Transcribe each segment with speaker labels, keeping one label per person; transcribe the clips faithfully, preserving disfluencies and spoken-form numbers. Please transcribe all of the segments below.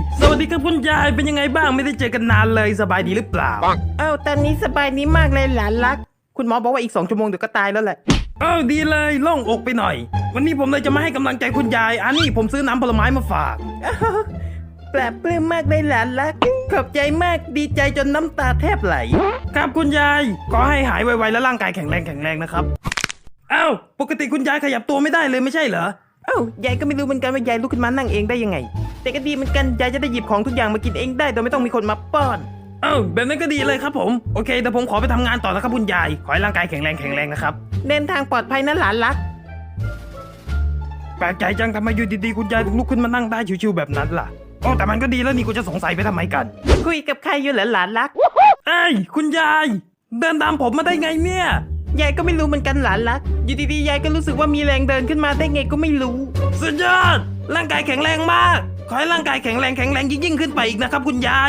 Speaker 1: สวัสดีครับคุณยายเป็นยังไงบ้างไม่ได้เจอกันนานเลยสบายดีหรือเปล่า
Speaker 2: เอ้าตอนนี้สบายดีมากเลยหลานรักคุณหมอบอกว่าอีกสองชั่วโมงเดี๋ยวก็ตายแล้วแหละ
Speaker 1: เออดีเลยโล่งอกไปหน่อย วันนี้ผมเลยจะมาให้กำลังใจคุณยายอันนี้ผมซื้อน้ำผลไม้มาฝาก
Speaker 2: อ้าวปลาบปลื้มมากเลยหลานรักขอบใจมากดีใจจนน้ำตาแทบไหล
Speaker 1: ครับคุณยายขอให้หายไวๆและร่างกายแข็งแรงแข็งแรงนะครับเอ้าปกติคุณยายขยับตัวไม่ได้เลยไม่ใช่เหรอ
Speaker 2: เอ้ายายก็ไม่รู้เหมือนกันว่ายายลุกขึ้นมานั่งเองได้ยังไง แต่ก็ดีเหมือนกันยายจะได้หยิบของทุกอย่างมากินเองได้โดยไม่ต้องมีคนมาป้อน
Speaker 1: เอ้าแบบนั้นก็ดีเลยครับผมโอเคแต่ผมขอไปทำงานต่อนะครับคุณยายขอให้ร่างกายแข็งแรงแข็งแรงนะครับ
Speaker 2: เดินทางปลอดภัยนะหลานรัก
Speaker 1: แปลกใจจังทำไมอยู่ดีๆคุณยายถึงลุกขึ้นมานั่งได้ชิวๆแบบนั้นล่ะโอ้แต่มันก็ดีแล้วนี่กูจะสงสัยไปทำไมกัน
Speaker 2: คุยกับใครอยู่เหรอหลานรัก
Speaker 1: เอ้ยคุณยายเดินตามผมมาได้ไงเนี่ย
Speaker 2: ยายก็ไม่รู้เหมือนกันหลานรักอยู่ดีๆยายก็รู้สึกว่ามีแรงเดินขึ้นมาได้ไงก็ไม่รู้
Speaker 1: สุดยอดร่างกายแข็งแรงมากขอให้ร่างกายแข็งแรงแข็งแรงยิ่งๆขึ้นไปอีกนะครับคุณยาย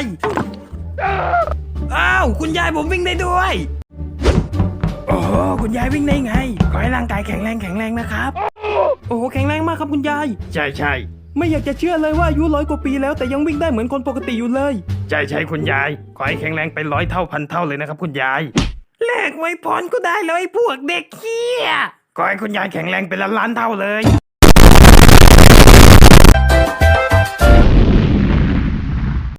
Speaker 1: อ้าวคุณยายผมวิ่งได้ด้วยโอ้โหคุณยายวิ่งได้ไงขอให้ร่างกายแข็งแรงแข็งแรงนะครับโอ้โหแข็งแรงมากครับคุณยายใช่ใช่ไม่อยากจะเชื่อเลยว่าอายุร้อยกว่าปีแล้วแต่ยังวิ่งได้เหมือนคนปกติอยู่เลยใช่ใช่คุณยายขอให้แข็งแรงไปร้อยเท่าพันเท่าเลยนะครับคุณยายแลกไว้พรก็ได้แล้วไอ้พวกเด็กเหี้ยขอให้คุณยายแข็งแรงเป็นล้านล้านๆเท่าเลย